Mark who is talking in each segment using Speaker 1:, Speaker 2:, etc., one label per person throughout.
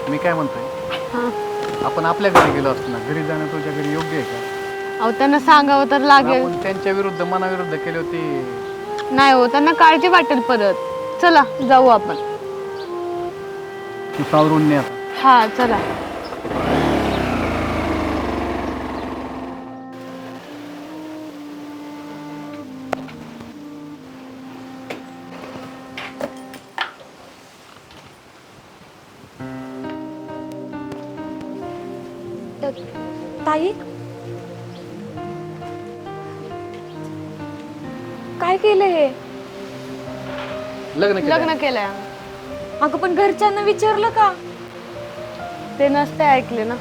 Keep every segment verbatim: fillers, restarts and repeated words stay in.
Speaker 1: मी काय म्हणतोय,
Speaker 2: हां.
Speaker 1: आपण आपल्या घरी गेलो असतो ना, घरी जाणं तुझ्या घरी योग्य आहे का?
Speaker 2: अहो त्यांना सांगावं तर लागेल.
Speaker 1: आपण त्यांच्या विरुद्ध मनाविरुद्ध केले होते.
Speaker 2: नाही हो, त्यांना काळजी वाटेल परत. चला जाऊ आपण.
Speaker 1: तू सावरून ने आता.
Speaker 2: हा चला.
Speaker 3: ताई काय केलं हे?
Speaker 1: लग्न केलं.
Speaker 2: लग्न केलंय.
Speaker 3: अगं पण घरच्यांना विचारलं का?
Speaker 2: ते नसते ऐकले ना.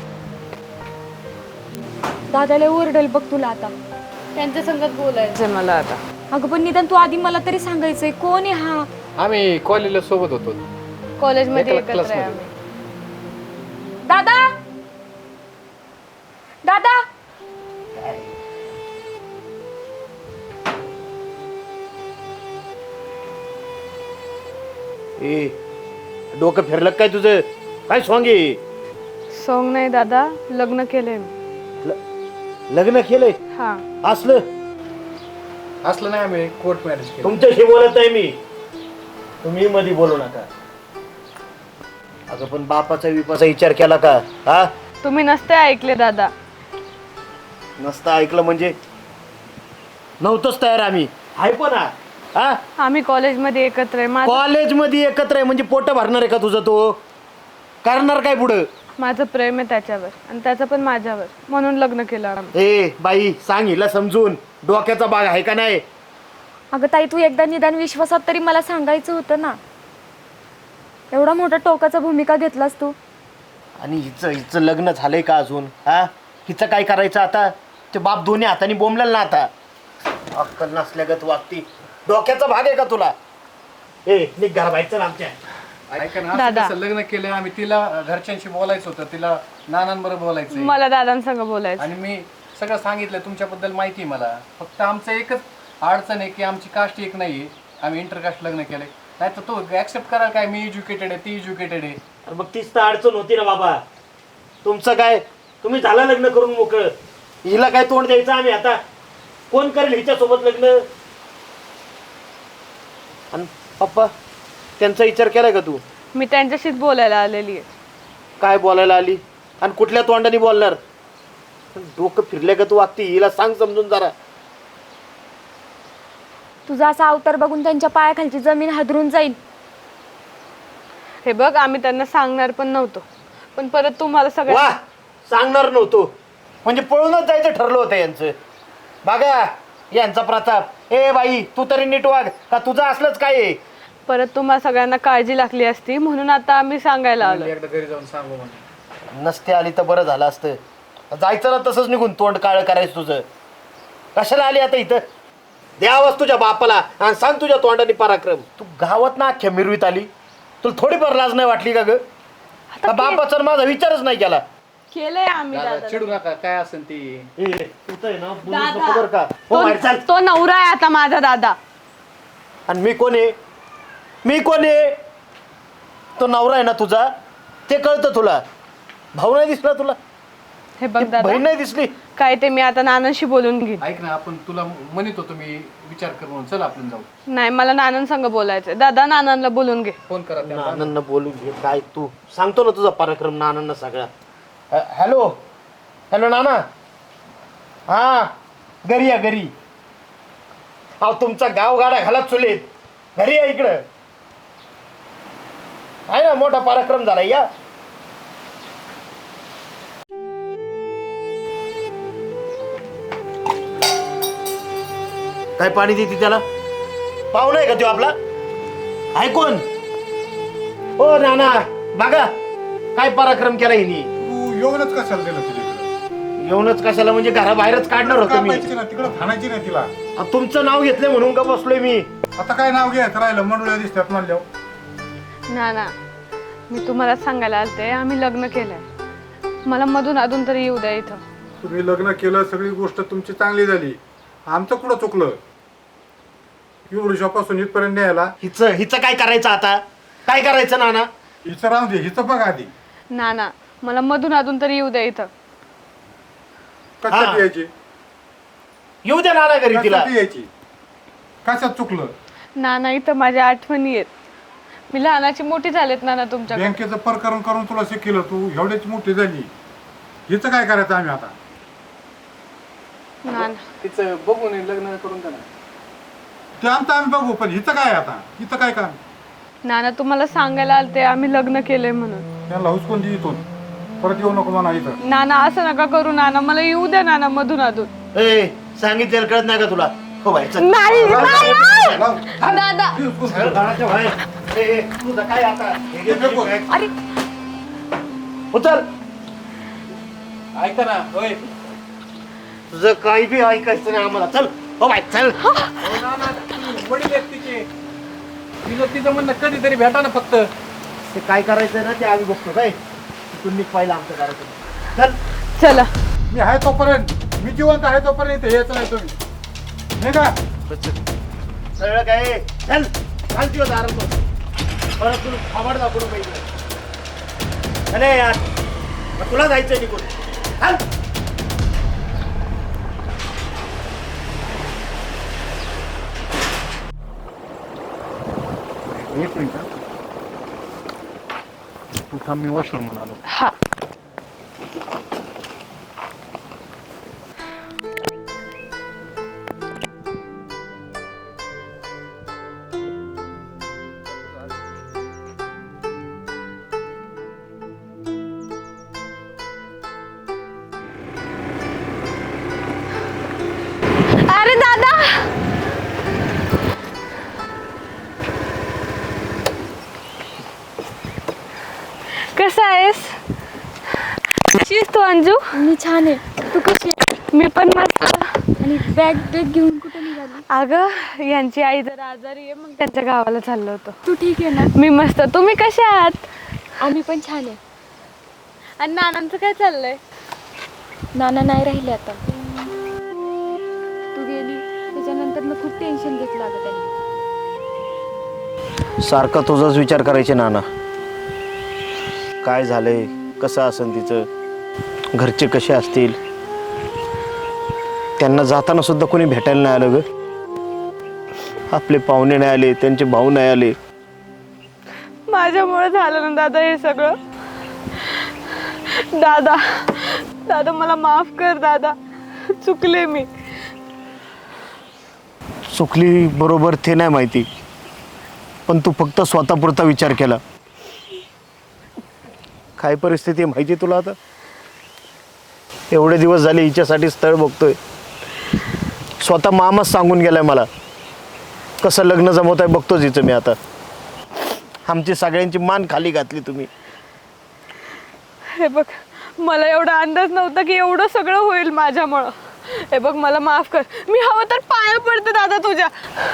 Speaker 3: दादाला ओरडेल बघ तुला आता.
Speaker 2: त्यांच्या संगत बोलायचं मला आता.
Speaker 3: अगं पण निदान तू आधी मला तरी सांगायचंय कोण आहे हा?
Speaker 1: आम्ही कॉलेजला सोबत होतो.
Speaker 2: कॉलेजमध्ये
Speaker 1: एका
Speaker 2: एकत्र
Speaker 1: क्लासमध्ये.
Speaker 2: आहे आम्ही.
Speaker 3: दादा दादा
Speaker 4: ए डोकं फिरलं काय तुझं? काय सॉंग आहे?
Speaker 2: सोंग नाही दादा, लग्न केलंय मी.
Speaker 4: ल- लग्न केलंय
Speaker 2: हा.
Speaker 4: असलं?
Speaker 1: असलं नाही, आम्ही कोर्ट मॅरेज केलं.
Speaker 4: तुमच्याशी बोलत आहे मी, तुम्ही मध्ये बोलू नका. अगं पण बापाचा विपाचा विचार केला का? हा
Speaker 2: तुम्ही नसते ऐकले दादा.
Speaker 4: नसतं ऐकलं म्हणजे नव्हतंच तयार आम्ही. आहे पण हा हा?
Speaker 2: आम्ही कॉलेजमध्ये एकत्र आहे. माझं
Speaker 4: कॉलेजमध्ये एकत्र आहे म्हणजे पोट भरणार आहे का तुझं? तो करणार काय पुढं?
Speaker 2: माझं प्रेम आहे त्याच्यावर आणि त्याचं पण माझ्यावर, म्हणून लग्न केलं आम्ही.
Speaker 4: ए बाई सांग हिला समजून, डोक्याचा भाग आहे का नाही?
Speaker 3: अगं ताई तू एकदा निदान विश्वासात तरी मला सांगायचं होतं ना. एवढा मोठा टोकाचा भूमिका घेतलास तू.
Speaker 4: आणि हिचं हिचं लग्न झालंय का अजून? हा हिचं काय करायचं आता? ते बाप दोन्ही हाताने बोंबलेल ना आता. अक्कल नसल्यागत वागती. डोक्याचा भाग आहे का तुला? ए निघ घरा बाहेरचं आमच्या.
Speaker 1: ऐका ना, असं
Speaker 2: दादा.
Speaker 1: कसं लग्न केलं आम्ही? तिला घरच्यांशी बोलायचं होतं, तिला नानांबरोबर बोलायचं
Speaker 2: मला दादांसंग बोलायचं.
Speaker 1: आणि मी सगळं सांगितलं. तुमच्याबद्दल माहिती आहे मला. फक्त आमचं एकच अडचण आहे की आमची कास्ट एक नाहीये. आम्ही इंटरकास्ट लग्न केलंय. नाही तर तो ऍक्सेप्ट कराल काय? मी एज्युकेटेड आहे, ती एज्युकेटेड आहे.
Speaker 4: अरे मग तीच तर अडचण होती ना बाबा. तुमचं काय, तुम्ही झाला लग्न करून मोकळं. हिला काय तोंड द्यायचं आम्ही आता? कोण करेल हिच्या सोबत लग्न? आणि पप्पा त्यांचा विचार केलाय का तू?
Speaker 2: मी त्यांच्याशीच बोलायला आलेली आहे.
Speaker 4: काय बोलायला आली आणि कुठल्या तोंडाने बोलणार? डोकं फिरल्या का तू वागती? हिला सांग समजून जरा.
Speaker 3: तुझा असा अवतार बघून त्यांच्या पायाखालची जमीन हादरून जाईल.
Speaker 2: हे बघ, आम्ही त्यांना सांगणार पण नव्हतो, पण परत तुम्हाला
Speaker 4: वा
Speaker 2: सगळ्या
Speaker 4: सांगणार नव्हतो म्हणजे पळूनच जायचं ठरलं होतं यांचं. बघा यांचा प्रताप. ए बाई तू तरी नीट वाग का? तुझं असलंच काय आहे?
Speaker 2: परत तुम्हाला सगळ्यांना काळजी लागली असती, म्हणून आता आम्ही सांगायला आलो.
Speaker 1: म्हणलं एकदा घरी जाऊन सांगू म्हणून.
Speaker 4: नसते आली तर बरं झालं असतं. जायचं ना तसंच निघून, तोंड काळं करायचं तुझं. कशाला आली आता इथं? द्यावंच तुझ्या बापाला आणि सांग तुझ्या तोंडाने पराक्रम. तू गावात ना अख्ख्या मिरवीत आली, तुला थोडीफार लाज नाही वाटली का ग? का बापाचा माझा विचारच नाही केला?
Speaker 2: केलंय आम्ही
Speaker 1: दादा,
Speaker 2: दादा.
Speaker 1: चिडू नका, काय असेल ती.
Speaker 4: ए, तू तर आहे ना, बोलूच नको बरं का? हो, बाहेर चाल.
Speaker 2: तो तो नवरा आहे आता माझा दादा.
Speaker 4: आणि मी कोण आहे? मी कोण आहे? तो नवरा आहे ना तुझा, ते कळतं तुला. भाऊ नाही दिसला तुला?
Speaker 2: हे बघ दादा,
Speaker 4: बहीण नाही दिसली?
Speaker 2: काय ते मी आता नानांशी बोलून घेईन.
Speaker 1: ऐक ना, आपण तुला म्हणत होतो मी विचार कर म्हणून. चल आपण जाऊ.
Speaker 2: नाही, मला नानांसंग बोलायचंय. दादा नानांना बोलून घे.
Speaker 1: फोन करा त्यांना.
Speaker 4: नानांना बोलून घे. काय तू सांगतो ना तुझा पराक्रम नानांना सगळा. अ, हॅलो हॅलो नाना. हा घरी या घरी. अहो तुमचा गाव गाडा घाला चुलीत. घरी या इकडं. आहे ना मोठा पराक्रम झाला. या काय पाणी देते त्याला? पाहुणा आहे का तो आपला? आहे कोण? ओ नाना बघा काय पराक्रम केला हिनी.
Speaker 5: तू येऊनच कशाला दिलं तिला इकडं?
Speaker 4: येऊनच कशाला म्हणजे घराबाहेरच काढणार होतं मी.
Speaker 5: कापायची ना तिकडं, खाणायची नाही तिला.
Speaker 4: आ, तुमचं नाव घेतलं म्हणून का बसलोय मी.
Speaker 5: आता काय नाव घ्यायचं राहिलं? मंडळी दिसतात म्हणल्यावर.
Speaker 2: नाना, मी तुम्हाला सांगायला आलते, आम्ही लग्न केलंय. मला मधून अधून तरी येऊ द्या इथं.
Speaker 5: तुम्ही लग्न केलं, सगळी गोष्ट तुमची चांगली झाली. आमचं कुठं चुकलं? एवढ्यापासून इथपर्यंत न्यायला.
Speaker 4: हिचं हिचं काय करायचं आता? काय करायचं नाना?
Speaker 5: हिचं राहू दे, हिचं बघ आधी.
Speaker 2: ना ना मला मधून अधून तरी येऊ द्या इथं.
Speaker 5: कशासाठी यायची
Speaker 4: येऊ द्या नाना घरी तिला.
Speaker 5: कशासाठी यायची कशात चुकलं?
Speaker 2: ना ना इथं माझ्या आठवणी आहेत. मी लहानाची मोठी झालेत ना ना तुमच्याकडे.
Speaker 5: बँकेचं प्रकरण करून तुला शिकलं, तू एवढीच मोठी झाली, हिचं काय करायचं आम्ही आता?
Speaker 2: ना ना
Speaker 1: तिचं बघून लग्न करून द्या ना.
Speaker 5: ते आमचं आम्ही बघू, पण हिचं काय आता? हिचं काय काम?
Speaker 2: ना ना तुम्हाला सांगायला आलते आम्ही लग्न केलंय म्हणून.
Speaker 5: त्यांना हुसकून दे इथून, परत येऊ नको म्हणा इथं.
Speaker 2: नाना असं नका करू नाना, मला येऊ द्या नाना मधून अधून.
Speaker 4: ए सांगितलेलं कळत नाही का तुला? हो बाई चल.
Speaker 2: नाही नाही.
Speaker 5: लाव.
Speaker 2: दादा
Speaker 4: चल, घराच्या बाहेर. ए, ए, तुझं काय आता? हे घे, हे घे.
Speaker 3: अरे
Speaker 4: उचल.
Speaker 1: ऐका ना होय.
Speaker 4: तुझं काही बी ऐकायचं नाही आम्हाला. चल हो बाई चल.
Speaker 1: हो ना ना, ती वडील आहेत तिचे. तिचं तिचं म्हणणं कधीतरी भेटा ना फक्त.
Speaker 4: ते काय करायचं ना ते आम्ही बघतो काय. तिथून निघ पाहिलं आमचं करायचं. चल.
Speaker 2: चला.
Speaker 5: मी आहे तोपर्यंत, मी जिवंत आहे तोपर्यंत यायचं नाही तुम्ही, नाही का?
Speaker 4: सगळं काय चल चाल तुझ्या दारात. परत तुला खाबाड दाखवलं पाहिजे. अरे यार मग तुला जायचं निघून. चाल.
Speaker 1: एक मिनिट. तू थांब, मी वॉशरूम म्हणालो.
Speaker 2: हा अरे दादा कसा आहेस? कशी आहेस तू अंजू?
Speaker 3: मी छान आहे, तू कशी आहे?
Speaker 2: मी पण मस्त.
Speaker 3: आणि बॅग बॅग घेऊन कुठे निघाली?
Speaker 2: अगं यांची आई जरा आजारी आहे, मग त्यांच्या गावाला चाललो होतो.
Speaker 3: तू ठीक आहे ना?
Speaker 2: मी मस्त. तुम्ही कशा आहात?
Speaker 3: आम्ही पण छान आहे.
Speaker 2: आणि नानांचं काय चाललंय?
Speaker 3: नाना नाही राहिले आता. तू गेली त्याच्यानंतर मग खूप टेन्शन घेतलं अगं त्यांनी.
Speaker 4: सारखा तुझाच विचार करायचे नाना. काय झालंय, कसं असेल तिचं, घरचे कसे असतील. त्यांना जाताना सुद्धा कोणी भेटायला नाही आलं ग. आपले पाहुणे नाही आले, त्यांचे भाऊ नाही आले.
Speaker 2: माझ्यामुळे झालं ना दादा हे सगळं. दादा दादा मला माफ कर दादा, चुकले मी.
Speaker 4: चुकली बरोबर ते नाही माहिती, पण तू फक्त स्वतःपुरता विचार केला. काय परिस्थिती आहे माहिती तुला आता? एवढे दिवस झाले हिच्यासाठी स्थळ बघतोय. स्वतः मामाच सांगून गेलाय मला कसं लग्न जमवत आहे बघतोच हिचं मी आता. आमची सगळ्यांची मान खाली घातली तुम्ही.
Speaker 2: हे बघ मला एवढा अंदाज नव्हता की एवढं सगळं होईल माझ्यामुळं. हे बघ मला माफ कर. मी हवं तर पाया पडते दादा तुझ्या.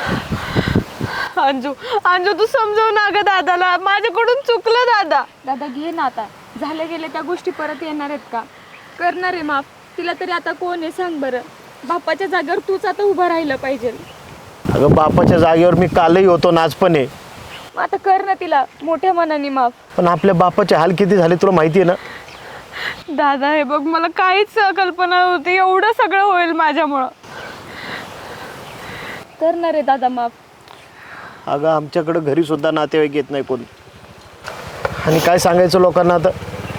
Speaker 2: अंजू अंजू तू समजव ना ग दादाला, माझ्याकडून चुकलं दादा.
Speaker 3: दादा घे ना आता, झाल्या गेल्या त्या गोष्टी परत येणार आहेत का? करणार आहे माफ. तिला तरी आता कोण आहे सांग बरं? बापाच्या जागेवर तूच आता उभं राहिलं पाहिजे.
Speaker 4: अगं बापाच्या जागेवर मी कालही होतो, नाच पण आहे.
Speaker 3: मग आता कर ना तिला मोठ्या मनाने माफ.
Speaker 4: पण आपल्या बापाचे हाल किती झाले तुला माहिती आहे ना.
Speaker 2: दादा हे बघ मला काहीच कल्पना नव्हती एवढं सगळं होईल माझ्यामुळं.
Speaker 3: करणार आहे दादा माफ.
Speaker 4: अगं आमच्याकडं घरी सुद्धा नातेवाईक येत नाही कोण. आणि काय सांगायचं लोकांना आता.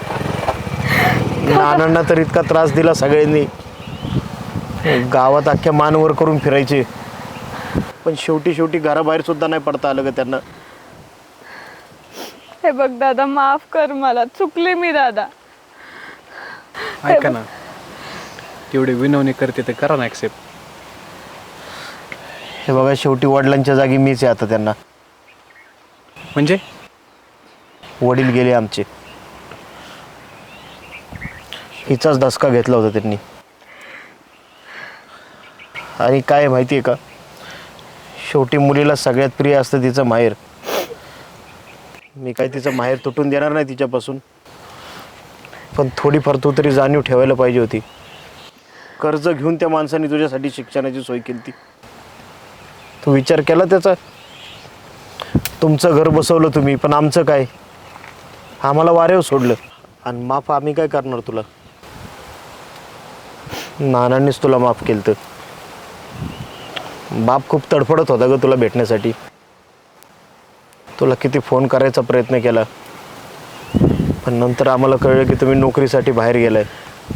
Speaker 4: नानांना तर इतका त्रास दिला सगळ्यांनी, गावात अख्ख्या मानवर करून फिरायचे, पण शेवटी शेवटी घराबाहेर सुद्धा नाही पडता आलं ग त्यांना.
Speaker 2: हे बघ दादा माफ कर मला, चुकले मी दादा.
Speaker 1: ऐका ना, तेवढे विनवणी करते ते करा ना ऍक्सेप्ट.
Speaker 4: हे बघा शेवटी वडिलांच्या जागी मीच आहे आता त्यांना.
Speaker 1: म्हणजे
Speaker 4: वडील गेले आमचे, हिचाच धसका घेतला होता त्यांनी. आणि काय माहिती आहे का, शेवटी मुलीला सगळ्यात प्रिय असतं तिचं माहेर. मी काय तिचं माहेर तुटून देणार नाही तिच्यापासून, पण थोडीफार तू तरी जाणीव ठेवायला पाहिजे होती. कर्ज घेऊन त्या माणसाने तुझ्यासाठी शिक्षणाची सोय केली ती. तू विचार केला त्याचा? तुमचं घर बसवलं तुम्ही, पण आमचं काय? आम्हाला वाऱ्यावर सोडलं. आणि माफ आम्ही काय करणार तुला? नानांनीच तुला माफ केलं. तर बाप खूप तडफडत होता ग तुला भेटण्यासाठी. तुला किती फोन करायचा प्रयत्न केला, पण नंतर आम्हाला कळलं की तुम्ही नोकरीसाठी बाहेर गेलाय.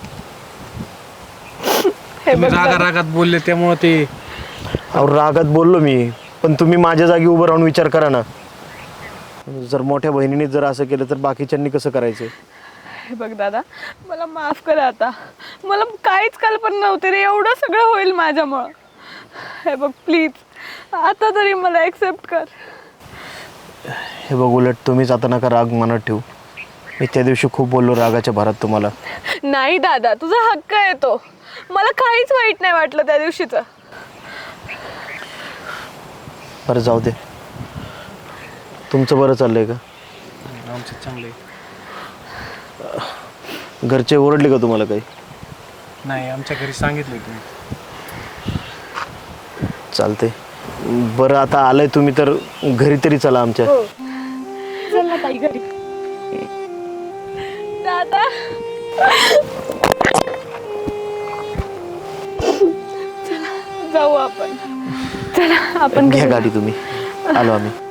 Speaker 2: हे
Speaker 1: तुम्ही
Speaker 2: बघ
Speaker 1: रागा
Speaker 2: दादा,
Speaker 1: रागात बोलले त्यामुळे ते
Speaker 4: अहो रागात बोललो मी, पण तुम्ही माझ्या जागी उभं राहून विचार करा ना. जर मोठ्या बहिणीने जर असं केलं तर बाकीच्यांनी कसं करायचं?
Speaker 2: हे बघ दादा, मला माफ कर आता. मला काहीच कल्पना नव्हती रे एवढं सगळं होईल माझ्यामुळं. हे बघ प्लीज आता तरी मला ॲक्सेप्ट कर.
Speaker 4: हे बघ, उलट तुम्हीच आता नका राग मनात ठेवू. मी त्या दिवशी खूप बोललो रागाच्या भरात तुम्हाला.
Speaker 2: नाही दादा, तुझा हक्क आहे तो. मला काहीच वाईट नाही वाटलं त्या दिवशीचं.
Speaker 4: बरं जाऊ दे. तुमचं बरं चाललंय का?
Speaker 1: आमचं चांगलं आहे.
Speaker 4: घरचे ओरडले का तुम्हाला काही?
Speaker 1: नाही, आमच्या घरी सांगितलंय तुम्ही.
Speaker 4: चालते. बरं आता आलंय तुम्ही तर घरी तरी चला आमच्या.
Speaker 3: चल ना ताई घरी.
Speaker 2: दादा चला जाऊ आपण. चला आपण
Speaker 4: घ्या
Speaker 2: घरी.
Speaker 4: गाडी तुम्ही. आलो आम्ही.